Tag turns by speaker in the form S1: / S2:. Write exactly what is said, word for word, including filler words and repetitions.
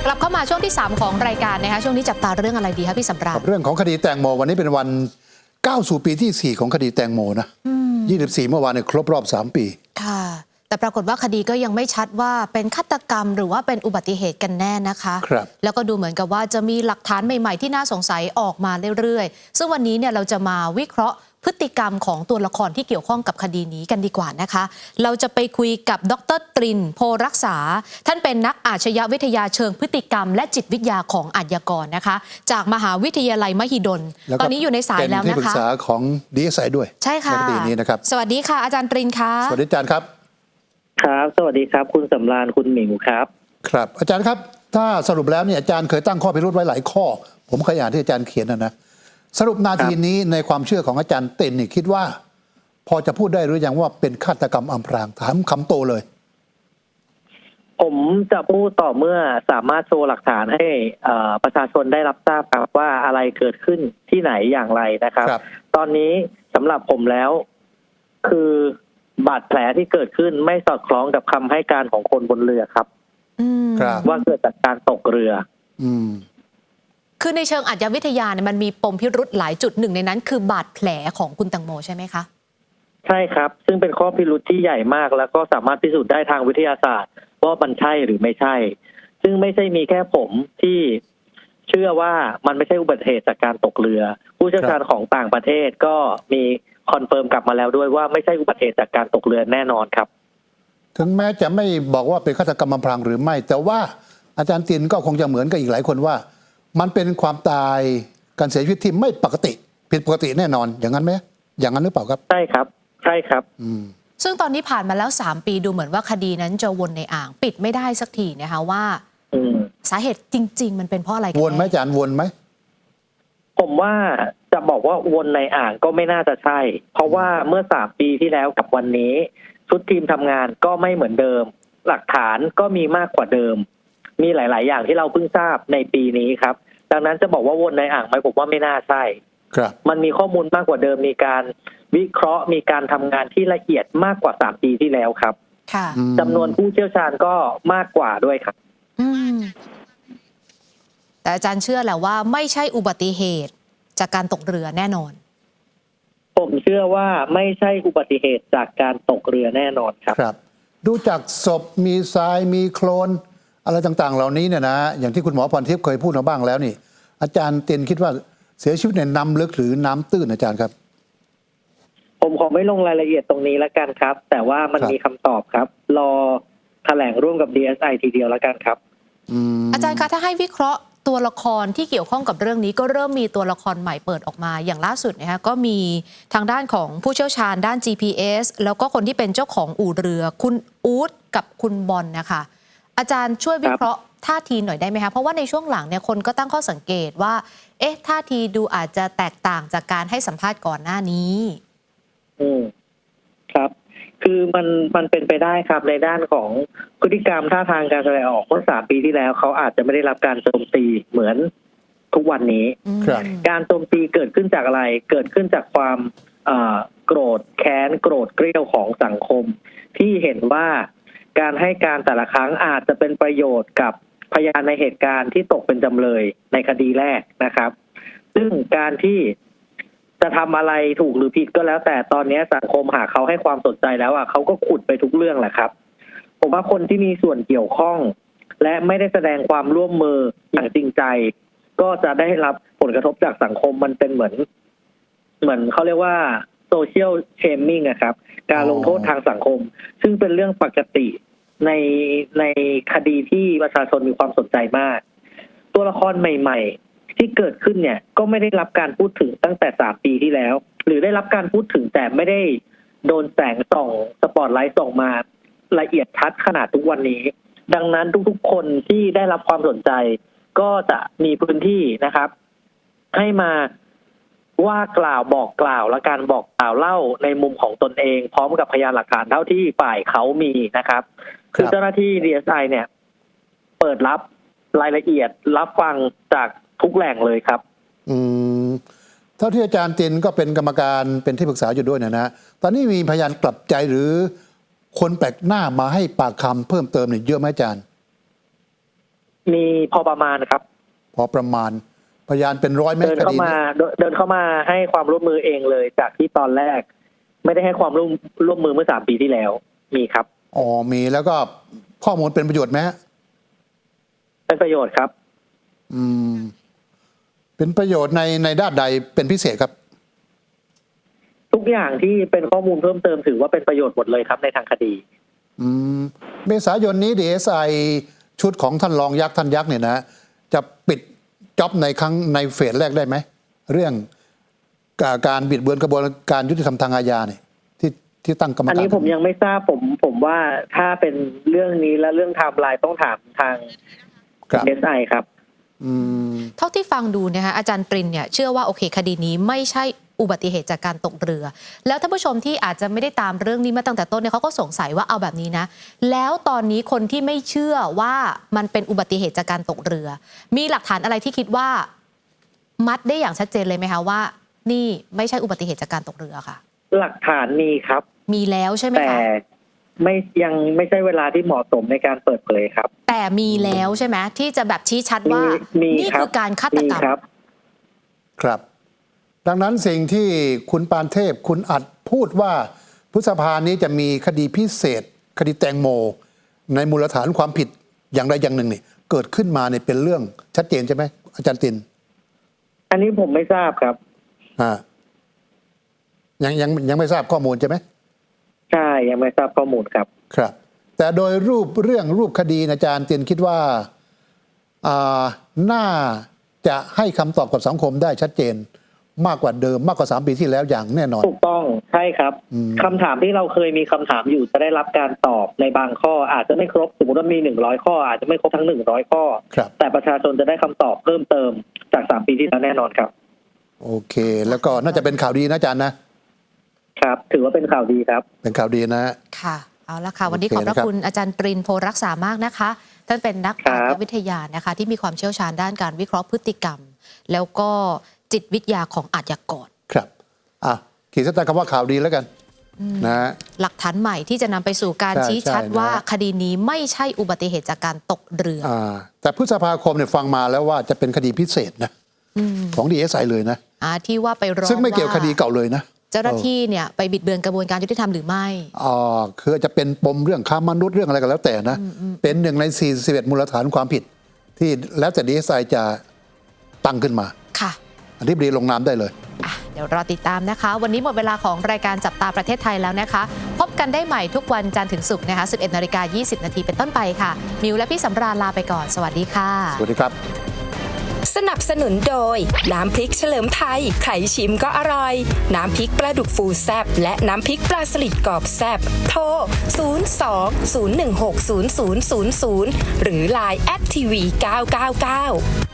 S1: กลับเข้ามาช่วงที่สามของรายการนะคะช่วงนี้จับตาเรื่องอะไรดีคะพี่สำราญ
S2: เรื่องของคดีแตงโมวันนี้เป็นวันก้าวสู่ปีที่สี่ของคดีแตงโมนะยี่สิบสี่เมื่อวานเนี่ยครบรอบสามปี
S1: ค่ะแต่ปรากฏว่าคดีก็ยังไม่ชัดว่าเป็นฆาตกรรมหรือว่าเป็นอุบัติเหตุกันแน่นะคะ
S2: ครับ
S1: แล้วก็ดูเหมือนกับว่าจะมีหลักฐานใหม่ๆที่น่าสงสัยออกมาเรื่อยๆซึ่งวันนี้เนี่ยเราจะมาวิเคราะห์พฤติกรรมของตัวละครที่เกี่ยวข้องกับคดีนี้กันดีกว่านะคะเราจะไปคุยกับดร.ตรินโพรักษาท่านเป็นนักอาชญาวิทยาเชิงพฤติกรรมและจิตวิทยาของอาชญากรนะคะจากมหาวิทยาลัยมหิดลตอนนี้อยู่ในสายแล้วนะคะเป็นที่
S2: ปรึกษาของ ดี เอส ไอ ด้วย
S1: ใช่ค่ะ
S2: ในคดีนี้นะครับ
S1: สวัสดีค่ะอาจารย์ตรินค่ะ
S2: สวัสดีอาจารย์ครับ
S3: ครับสวัสดีครับคุณสำราญคุณหมิวครับ
S2: ครับอาจารย์ครับถ้าสรุปแล้วเนี่ยอาจารย์เคยตั้งข้อพิรุธไว้หลายข้อผมเคยอ่านที่อาจารย์เขียนนะนะสรุปนาทีนี้ในความเชื่อของอาจารย์เต็นนี่คิดว่าพอจะพูดได้หรือยังว่าเป็นฆาตกรรมอำพรางถามคำโตเลย
S3: ผมจะพูดต่อเมื่อสามารถโชว์หลักฐานให้ประชาชนได้รับทราบครับว่าอะไรเกิดขึ้นที่ไหนอย่างไรนะครับรบตอนนี้สำหรับผมแล้วคือบาดแผลที่เกิดขึ้นไม่สอดคล้องกับคำให้การของคนบนเรือครับว่าเกิดจากการตกเรือ
S2: อืม
S1: คือในเชิงอาชญาวิทยาเนี่ยมันมีปมพิรุธหลายจุดหนึ่งในนั้นคือบาดแผลของคุณแตงโมใช่ไหมคะ
S3: ใช่ครับซึ่งเป็นข้อพิรุธที่ใหญ่มากแล้วก็สามารถพิสูจน์ได้ทางวิทยาศาสตร์ว่ามันใช่หรือไม่ใช่ซึ่งไม่ใช่มีแค่ผมที่เชื่อว่ามันไม่ใช่อุบัติเหตุจากการตกเรือผู้เชี่ยวชาญของต่างประเทศก็มีคอนเฟิร์มกลับมาแล้วด้วยว่าไม่ใช่อุบัติเหตุจากการตกเรือแน่นอนครับ
S2: ถึงแม้จะไม่บอกว่าเป็นฆาตกรรมอำพรางหรือไม่แต่ว่าอาจารย์ตินก็คงจะเหมือนกับอีกหลายคนว่ามันเป็นความตายการเสียชีวิตที่ไม่ปกติผิดปกติแน่นอนอย่างนั้นไหมอย่างนั้นหรือเปล่าครับ
S3: ใช่ครับใช่ครับ
S1: ซึ่งตอนนี้ผ่านมาแล้วสามปีดูเหมือนว่าคดีนั้นจะวนในอ่างปิดไม่ได้สักทีนะคะว่าสาเหตุจริงๆมันเป็นเพราะอะไรกัน
S2: วนไหมอาจารย์วนไหม
S3: ผมว่าจะบอกว่าวนในอ่างก็ไม่น่าจะใช่เพราะว่าเมื่อสามปีที่แล้วกับวันนี้ชุดทีมทำงานก็ไม่เหมือนเดิมหลักฐานก็มีมากกว่าเดิมมีหลายๆอย่างที่เราเพิ่งทราบในปีนี้ครับดังนั้นจะบอกว่าวนในอ่างไหมผมว่าไม่น่าใช่
S2: ครับ
S3: มันมีข้อมูลมากกว่าเดิมมีการวิเคราะห์มีการทำงานที่ละเอียดมากกว่าสามปีที่แล้วครับ
S1: ค่ะ
S3: จำนวนผู้เชี่ยวชาญก็มากกว่าด้วยครับ
S1: แต่อาจารย์เชื่อแหละว่าไม่ใช่อุบัติเหตุจากการตกเรือแน่นอน
S3: ผมเชื่อว่าไม่ใช่อุบัติเหตุจากการตกเรือแน่นอนครับ
S2: ครับดูจากศพมีทรายมีโคลนอะไรต่างๆเหล่านี้เนี่ยนะอย่างที่คุณหมอพรทิพย์เคยพูดมาบ้างแล้วนี่อาจารย์เตียนคิดว่าเสียชีวิตในน้ำลึกหรือน้ำตื้นอาจารย์ครับ
S3: ผมขอไม่ลงรายละเอียดตรงนี้แล้วกันครับแต่ว่ามันมีคำตอบครับรอแถลงร่วมกับ ดี เอส ไอ ทีเดียวแล้วกันครับ
S1: อ, อาจารย์คะถ้าให้วิเคราะห์ตัวละครที่เกี่ยวข้องกับเรื่องนี้ก็เริ่มมีตัวละครใหม่เปิดออกมาอย่างล่าสุดนะคะก็มีทางด้านของผู้เชี่ยวชาญด้าน จี พี เอส แล้วก็คนที่เป็นเจ้าของอู่เรือคุณอู๊ดกับคุณบอลนะคะอาจารย์ช่วยวิเคราะห์ท่าทีหน่อยได้ไหมคะเพราะว่าในช่วงหลังเนี่ยคนก็ตั้งข้อสังเกตว่าเอ๊ะท่าทีดูอาจจะแตกต่างจากการให้สัมภาษณ์ก่อนหน้านี้
S3: อืมครับคือมันมันเป็นไปได้ครับในด้านของพฤติกรรมท่าทางการแสดงออกเมื่อสามปีที่แล้วเขาอาจจะไม่ได้รับการโจมตีเหมือนทุกวันนี้การโจมตีเกิดขึ้นจากอะไรเกิดขึ้นจากความโกรธแค้นโกรธเกรี้ยวของสังคมที่เห็นว่าการให้การแต่ละครั้งอาจจะเป็นประโยชน์กับพยานในเหตุการณ์ที่ตกเป็นจำเลยในคดีแรกนะครับซึ่งการที่จะทำอะไรถูกหรือผิดก็แล้วแต่ตอนนี้สังคมหากเขาให้ความสนใจแล้วอ่ะเขาก็ขุดไปทุกเรื่องแหละครับผมว่าคนที่มีส่วนเกี่ยวข้องและไม่ได้แสดงความร่วมมืออย่างจริงใจก็จะได้รับผลกระทบจากสังคมมันเป็นเหมือนเหมือนเขาเรียกว่าโซเชียลเชมมิ่งอะครับการลงโทษทางสังคมซึ่งเป็นเรื่องปกติในในคดีที่ประชาชนมีความสนใจมากตัวละครใหม่ๆที่เกิดขึ้นเนี่ยก็ไม่ได้รับการพูดถึงตั้งแต่สามปีที่แล้วหรือได้รับการพูดถึงแต่ไม่ได้โดนแสงส่องสปอตไลท์ส่องมาละเอียดชัดขนาดทุกวันนี้ดังนั้นทุกๆคนที่ได้รับความสนใจก็จะมีพื้นที่นะครับให้มาว่ากล่าวบอกกล่าวและการบอกกล่าวเล่าในมุมของตนเองพร้อมกับพยานหลักฐานเท่าที่ฝ่ายเขามีนะครับคือเจ้าหน้าที่ ดี เอส ไอ เนี่ยเปิดรับรายละเอียดรับฟังจากทุกแหล่งเลยครับ
S2: อืมเท่าที่อาจารย์ตินก็เป็นกรรมการเป็นที่ปรึกษาอยู่ด้วยนะนะตอนนี้มีพยานกลับใจหรือคนแปลกหน้ามาให้ปากคำเพิ่มเติมเนี่ยเยอะไหมอาจารย์
S3: มีพอประมาณครับ
S2: พอประมาณพยานเป็นร้อยไหม
S3: เดิน
S2: ค
S3: เข้า
S2: ดี
S3: มา
S2: นี้
S3: เดินเดินเข้ามาให้ความร่วมมือเองเลย จากที่ตอนแรก ไม่ได้ให้ความร่วมร่วมมือเมื่อสามปีที่แล้ว มีครับ
S2: อ๋อมีแล้วก็ข้อมูลเป็นประโยชน์ไหมฮะ
S3: เป็นประโยชน์ครับ
S2: อืมเป็นประโยชน์ในในด้านใดเป็นพิเศษครับ
S3: ทุกอย่างที่เป็นข้อมูลเพิ่มเติมถือว่าเป็นประโยชน์หมดเลยครับในทางคดี
S2: อืมเมษายนนี้ ดี เอส ไอ ชุดของท่านรองยักษ์ท่านยักษ์เนี่ยนะจะปิดจ็อบในครั้งในเฟสแรกได้ไหมเรื่องการบิดเบือนกระบวนการยุติธรรมทางอาญาเนี่ยที่ที่ตั้งกรรมการ
S3: อันนี้ผมยังไม่ทราบผมผมว่าถ้าเป็นเรื่องนี้และเรื่องไทม์ไลน์ต้องถามทาง
S2: ครับ
S3: เอส ไอ ครับ
S2: อืม
S1: เท่าที่ฟังดูนะคะอาจารย์ปรินเนี่ยเชื่อว่าโอเคคดีนี้ไม่ใช่อุบัติเหตุจากการตกเรือ แล้วท่านผู้ชมที่อาจจะไม่ได้ตามเรื่องนี้มาตั้งแต่ต้นเนี่ยเขาก็สงสัยว่าเอาแบบนี้นะแล้วตอนนี้คนที่ไม่เชื่อว่ามันเป็นอุบัติเหตุจากการตกเรือ มีหลักฐานอะไรที่คิดว่ามัดได้อย่างชัดเจนเลยไหมคะว่า นี่ไม่ใช่อุบัติเหตุจากการตกเรือค่ะ
S3: หลักฐานมีครับ
S1: มีแล้วใช่ไหม
S3: แต่
S1: คะ
S3: ไม่ยังไม่ใช่เวลาที่เหมาะสมในการเปิดเผยครับ
S1: แต่มีแล้วใช่ไหมที่จะแบบชี้ชัดว่า
S3: มี
S1: นี่
S3: ครับ
S1: คือการฆาต
S3: มี
S1: กรรม
S3: ครับ
S2: ครับ ดังนั้นสิ่งที่คุณปานเทพคุณอัดพูดว่าพฤษภานี้จะมีคดีพิเศษ คดีแตงโม ในมูลฐานความผิดอย่างใดอย่างหนึ่งนี่เกิดขึ้นมาเนี่ยเป็นเรื่องชัดเจนใช่ไหมอาจารย์ติน
S3: อันนี้ผมไม่ทราบครับ
S2: อ่ายังยังยังไม่ทราบข้อมูลใช่ไหม
S3: ใช่ยังไม่ทราบข้อมูลครับ
S2: ครับ แต่โดยรูปเรื่องรูปคดีอาจารย์ตินคิดว่าอ่าน่าจะให้คำตอบกับสังคมได้ชัดเจนมากกว่าเดิมมากกว่าสามปีที่แล้วอย่างแน่นอน
S3: ถูกต้องใช่ครับ
S2: อืม
S3: คำถามที่เราเคยมีคำถามอยู่จะได้รับการตอบในบางข้อ อาจจะไม่ครบสมมติว่ามีหนึ่งร้อยข้อ อาจจะไม่ครบทั้งหนึ่งร้อยข้อ
S2: ครับ
S3: แต่ประชาชนจะได้คำตอบเพิ่มเติมจากสามปีที่แล้วแน่นอนครับ
S2: โอเค แล้วก็น่าจะเป็นข่าวดีนะอาจารย์นะ
S3: ครับ ถือว่าเป็นข่าวดีครับ
S2: เป็นข่าวดีนะ
S1: ค่ะเอาละค่ะ วันนี้
S2: โอ
S1: ข
S2: เค
S1: อบพระ
S2: นะครับ
S1: คุณอาจารย์ปรินโพรักษามากนะคะท่านเป็นนัก
S3: ครับ
S1: อาชญาวิทยานะคะที่มีความเชี่ยวชาญด้านการวิเคราะห์พฤติกรรม แล้วก็จิตวิทยาของอาชญากร
S2: ครับอ่ะขีดเส้นใต้คำว่าข่าวดีแล้วกันนะ
S1: หลักฐานใหม่ที่จะนำไปสู่การ
S2: ใช่
S1: ชี้ชัด
S2: ใช่นะ
S1: ว่าคดีนี้ไม่ใช่อุบัติเหตุจากการตกเรือ
S2: อ่าแต่พฤษภาคมเนี่ยฟังมาแล้วว่าจะเป็นคดีพิเศษนะของ ดี เอส ไอ เลยนะ
S1: อ่าที่ว่าไปร้อง
S2: ซึ่งไม่เกี่ยว
S1: า
S2: คดีเก่าเลยนะ
S1: เจ้าหน้าที่เนี่ยไปบิดเบือนกระบวนการยุติธรรมหรือไม่
S2: อ่าคือจะเป็นปมเรื่องค้ามนุษย์เรื่องอะไรก็แล้วแต่นะ เป็นหนึ่งในสี่สิบเอ็ดมูลฐานความผิด ที่แล้วแต่ ดี เอส ไอ จะตั้งขึ้นมา
S1: ค่ะ
S2: อธิบดีลงนามได้เลย
S1: อ่ะเดี๋ยวรอติดตามนะคะ วันนี้หมดเวลาของรายการจับตาประเทศไทยแล้วนะคะ พบกันได้ใหม่ทุกวันจันทร์ถึงศุกร์นะคะ สิบเอ็ดนาฬิกายี่สิบนาทีเป็นต้นไปค่ะ มิวและพี่สำราญลาไปก่อน สวัสดีค่ะ
S2: สวัสดีครับ
S4: สนับสนุนโดย น้ำพริกเฉลิมไทยใครชิมก็อร่อย น้ำพริกปลาดุกฟูแซบและน้ำพริกปลาสลิดกรอบแซบโทร ศูนย์ สอง ศูนย์ หนึ่ง หก ศูนย์ ศูนย์ ศูนย์ ศูนย์ หรือ ไลน์ แอท ที วี เก้า เก้า เก้า